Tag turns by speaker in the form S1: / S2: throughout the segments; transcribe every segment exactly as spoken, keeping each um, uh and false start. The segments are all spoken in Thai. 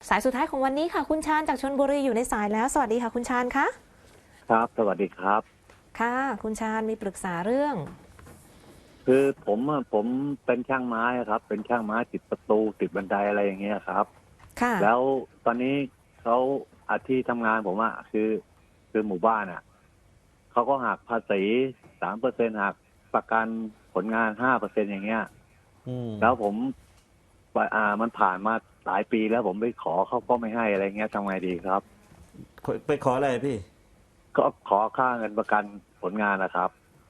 S1: สายสุดท้ายของวันนี้ค่ะคุณชาญจากชลบุรีอยู่ในสายแล้วสวัสดีค่ะคุณชาญคะ
S2: ครับสวัสดีครับ
S1: ค่ะคุณชาญมีปรึกษาเรื่อง
S2: คือผมอะผมเป็นช่างไม้ครับเป็นช่างไม้ติดประตูติดบันไดอะไรอย่างเงี้ยครับ
S1: ค่ะ
S2: แล้วตอนนี้เขาอาที่ทำงานผมอะคือคือหมู่บ้านอะเขาก็หักภาษีสามเปอร์เซ็นหักประกันผลงานห้าเปอร์เซ็นอย่างเงี้ย
S3: อืม
S2: แล้วผมอ่ามันผ่านมาหลายปีแล้วผมไปขอเขาก็ไม่ให้อะไรเงี้ยทำไงดีครับ
S3: ไปขออะไรพี่
S2: ก็ขอค่าเงินประกันผลงานนะครับ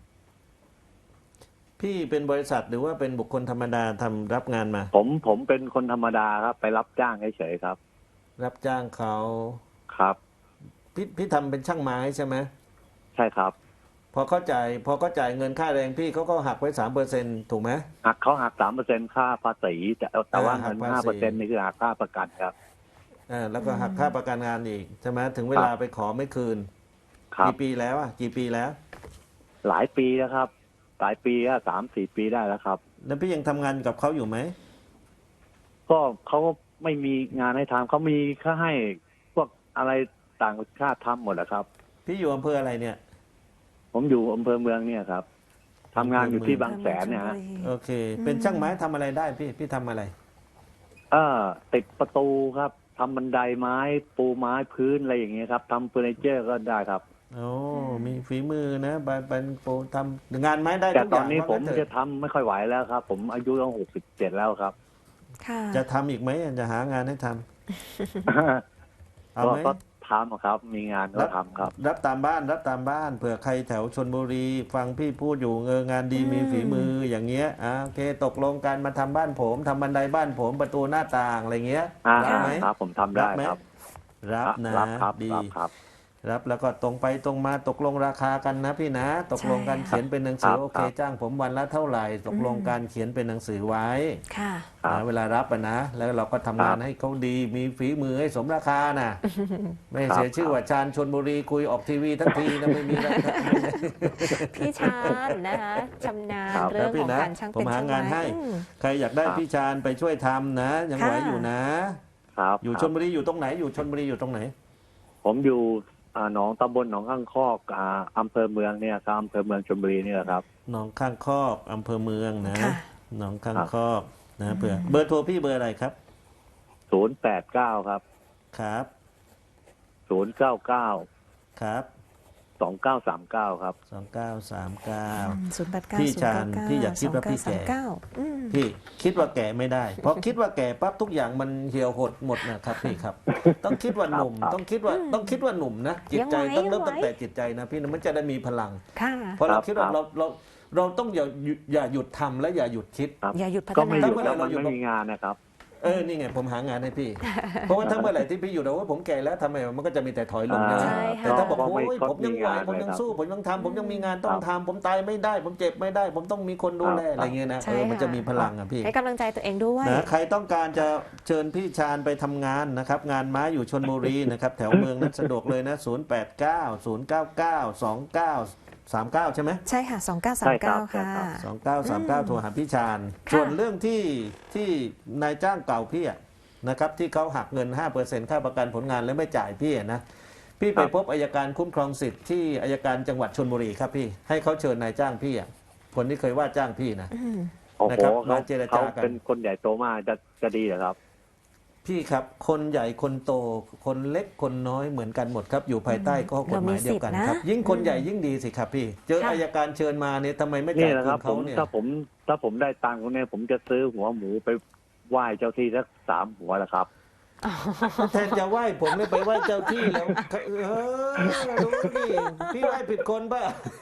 S3: พี่เป็นบริษัทหรือว่าเป็นบุคคลธรรมดาทำรับงานมา
S2: ผมผมเป็นคนธรรมดาครับไปรับจ้างเฉยๆครับ
S3: รับจ้างเขา
S2: ครับ
S3: พี่พี่ทำเป็นช่างไม้ใช่ไหม
S2: ใช่ครับ
S3: พอเขาจ่ายพอเขาจ่ายเงินค่าแรงพี่เขาก็หักไว้สามเปอร์เซ็นถูกไหม
S2: หักเขาหักสามเปอร์เซ็นค่าภาษีแต่แต่ว่า
S3: อ่าหั
S2: เงิ
S3: ก
S2: น
S3: ภาษี
S2: ห้าเปอร์เซ็นนี่คือหักค่าประกันครับ
S3: อ่าแล้วก็หักค่าประกันงานอีกใช่ไหมถึงเวลาไปขอไม่คืน
S2: ครับ
S3: กี่ปีแล้วอ่ะกี่ปีแล้ว
S2: หลายปีแล้วครับหลายปีแล้วสามสี่ปีได้แล้วครับ
S3: แล้วพี่ยังทำงานกับเขาอยู่ไหม
S2: ก็เขาก็ไม่มีงานให้ทำเขามีแค่ให้พวกอะไรต่างชาติทำหมดแหละครับ
S3: พี่อยู่อำเภออะไรเนี่ย
S2: ผมอยู่อำเภอเมืองเนี่ยครับทำงานอยู่ที่บางแสนเนี่ยฮะ
S3: โอเค เป็นช่างไม้ทำอะไรได้พี่พี่ทำอะไร
S2: เออติดประตูครับทำบันไดไม้ปูไม้พื้นอะไรอย่างเงี้ยครับทำเฟอร์นิเจอร์ก็ได้ครับ
S3: โอ้มีฝีมือนะบานเป็นโปรทำงานไม้ได้
S2: แต่
S3: ทุกอ
S2: ตอย่าง นนี้ผม
S3: ว่างั้นเถ
S2: จะ
S3: อะ
S2: ทำไม่ค่อยไหวแล้วครับ ผมอายุต้องหกสิบเจ็ดแล้วครับ
S1: ค่ะ
S3: จะทำอีกไหมจะหางานให้ทำเอาไหม
S2: ก็ทำครับ มีงานก็ทำครับ
S3: รับตามบ้านรับตามบ้านเผื่อใครแถวชลบุรีฟังพี่พูดอยู่เงองานดีมีฝีมืออย่างเงี้ยอ่ะโอเคตกลงกันมาทำบ้านผมทำบันไดบ้านผมประตูหน้าต่างอะไรเงี้ย
S2: อ่า
S3: รับไหม
S2: ครับผมทำได้ครับ
S3: รับนะ
S2: รับครับ
S3: ดี
S2: รับครับ
S3: รับแล้วก็ตรงไปตรงมาตกลงราคากันนะพี่นะ ตกลงกันเขียนเป็นหนังสือโอเคจ้างผมวันละเท่าไหร่ ตกลงการเขียนเป็นหนังสือไว้
S1: ค่ะ
S3: นะเวลารับอะนะแล้วเราก็ทำงานให้เขาดีมีฝีมือให้สมราคานะไม่เสียชื่อว่าชาญชลบุรีคุยออกทีวีทั้งทีนะไม่มีราคา
S1: พี่ชาญนะคะชำนาญเรื่องของการช่างเป็นช่างไม้
S3: ใครอยากได้พี่ชาญไปช่วยทำนะยังไหวอยู่นะ
S2: ครับ
S3: อยู่ชลบุรีอยู่ตรงไหนอยู่ชลบุรีอยู่ตรงไหน
S2: ผมอยู่หนองตำบลหนองข้างคอกอำเภอเมืองเนี่ยครับอำเภอเมืองชลบุรีนี่แหละครับ
S3: หนองข้างคอกอำเภอเมืองนะหนองข้างคอกนะเผื่อเบอร์โทรพี่เบอร์อะไรครับ
S2: ศูนย์แปดเก้าครับ
S3: ครับ
S2: ศูนย์เก้าเก้า
S3: ครับ
S2: สองเก้าสามเก้าครับ
S3: สองเก้าสามเก้า
S1: ศูนย์แปดเก้า
S3: พี่ชาญพี่อยากคิดว่าพี่แก่พี่คิดว่าแก่ไม่ได้เพราะคิดว่าแก่ปั๊บทุกอย่างมันเหี่ยวหดหมดนะครับพี่ครับต้องคิดว่าหนุ่มต้องคิดว่าต้องคิดว่าหนุ่มนะจิตใจต้องเริ่มตั้งแต่จิตใจนะพี่นะมันจะได้มีพลังเพราะเราคิดว่าเราเราเราต้องอย่าอย่าหยุดทำและอย่าหยุดคิด
S1: อย่าหยุดพัฒนา
S2: ก็ไม่หยุดแล้วมันไม่มีงานนะครับ
S3: เออนี่ไงผมหางานให้พี่เพราะว่าถ้าเมื่อไหร่ที่พี่อยู่เราว่าผมแก่แล้วทำไมมันก็จะมีแต่ถอยลงนะแต่ถ้าบอกโอ้ยผมยังไหวผมยังสู้ผมยังทำผมยังมีงานต้องทำผมตายไม่ได้ผมเจ็บไม่ได้ผมต้องมีคนดูแลอะไรเงี้ยนะเออมันจะมีพลังอ่ะพี่
S1: ให้กำลังใจตัวเองด้วย
S3: นะใครต้องการจะเชิญพี่ชาญไปทำงานนะครับงานไม้อยู่ชลบุรีนะครับแถวเมืองนั้นสะดวกเลยนะศูนย์ แปด เก้า ศูนย์ เก้า เก้า สอง เก้า สาม เก้าใช่ไหม
S1: ใช่ค่ะสองเก้าสามเก้าค่ะ
S3: สองเก้าสามเก้าโทรหาพี่ชาญส่วนเรื่องที่ที่นายจ้างเก่าพี่นะครับที่เขาหักเงิน ห้าเปอร์เซ็นต์ ค่าประกันผลงานแล้วไม่จ่ายพี่นะพี่ไปพบอัยการคุ้มครองสิทธิ์ที่อัยการจังหวัดชลบุรีครับพี่ให้เขาเชิญนายจ้างพี่อ่ะคนที่เคยว่าจ้างพี่นะ
S2: นะครับมาเจรจากันเขาเป็นคนใหญ่โตมากจะจะดีเหรอครับ
S3: พี่ครับคนใหญ่คนโตคนเล็กคนน้อยเหมือนกันหมดครับอยู่ภายใต้ข้อกฎหมายเดียวกันครับยิ่งคนใหญ่ยิ่งดีสิครับพี่เจออัยการเชิญมาเนี่ยทำไมไม่จ่ายคืนเขาเนี่ย
S2: ถ้าผมถ้าผมได้ตังค์เนี่ยผมจะซื้อหัวหมูไปไหว้เจ้าที่สักสามหัวแล้วครับ
S3: แทนจะไหว้ผมเนี่ยไปไหว้เจ้าที่แล้วเออดูพี่พี่ไหว้ผิดคนป่ะ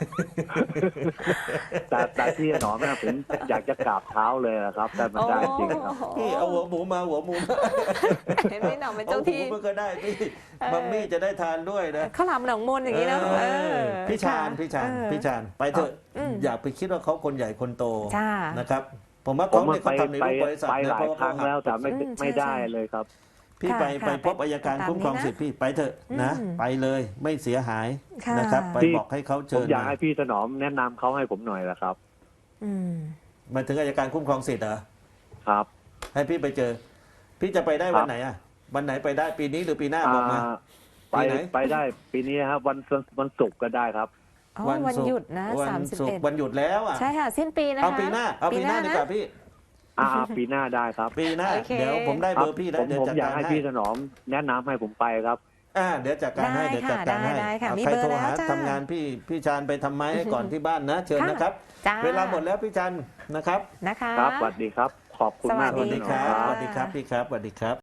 S2: แต่แต่ที่หนอแม่ผมอยากจะกราบเท้าเลยนะครับแต่มันได้จริงครับ
S3: พี่เอาหัวหมูมาหัวหมู
S1: เห็นไหมหนอเป็นเจ้าที่
S3: มันก็ได้พี่มัมมี่จะได้ทานด้วยนะ
S1: ข้าวหลามหนองมนอย่างนี้นะ
S3: พี่ชาญพี่ชาญพี่ชาญไปเถอะอย่าไปคิดว่าเขาคนใหญ่คนโตนะครับผมว่าเขาเนี่ยเขาทำในรูปบริษัท
S2: ไปหลายครั้งแล้วแต่ไม่ไม่ได้เลยครับ
S3: พี่ไปไปพบอัยการคุ้มครองสิทธิ์พี่ไปเถอะนะไปเลยไม่เสียหายนะครับไปบอกให้เขาเชิญ
S2: ผมอยากให้พี่ถนอมแนะนำเขาให้ผมหน่อยละครับ
S3: มาถึงอัยการคุ้มครองสิทธิ์เหรอ
S2: ครับ
S3: ให้พี่ไปเจอพี่จะไปได้วันไหนอ่ะวันไหนไปได้ปีนี้หรือปีหน้าบอกมา
S2: อ่าไป
S3: ปีไหน
S2: ไปได้ปีนี้ครับวันวันศุกร์ก็ได้ครับ
S1: อ๋อวันหยุดนะ
S3: วั
S1: สามสิบ
S3: ศุก
S1: เอ็ด
S3: ร์วันหยุดแล้วอ่ะ
S1: ใช่ค่ะ สิ้นปีนะคะ
S3: เอาปีหน้าเอาปีหน้าดีกว่าพี่
S2: อ่าปีหน้าได้ครับ
S3: ปีหน้า
S1: โอเค
S3: เดี๋ยวผมได้เบอร์พี่
S2: ผ
S3: แล้ว
S2: ม
S3: เดี๋ยว
S2: ผม
S3: จัด
S2: อยาก
S3: การ
S2: ให้
S3: ให้
S2: พี่ถนอมแนะนำให้ผมไปครับ
S3: อ่าเดี๋ยวจัดการให้
S1: ได้
S3: เดี๋ยวจัด
S1: ค่ะ
S3: การให้
S1: ได้ได้ค่ะ
S3: เอา
S1: มี
S3: ใคร
S1: เบอร์
S3: โทร
S1: แล้ว
S3: หา
S1: จ้า
S3: ทำงานพี่พี่ชาญไปทำไม้ให้ก่อนที่บ้านนะ เชิญ
S1: ค่ะ
S3: นะครับ
S1: จ้า
S3: เวลาหมดแล้วพี่จันนะครับ
S1: นะคะ
S2: ครับสวัสดีครับ ขอบคุณมาก
S3: สวัสดีครับ
S1: ส
S3: ส
S1: วั
S3: วั
S1: ส
S3: ส
S1: ดี
S3: ดีค
S1: ค่ะ
S3: รับสวัสดีครับพี่ครับสวัสดีครับ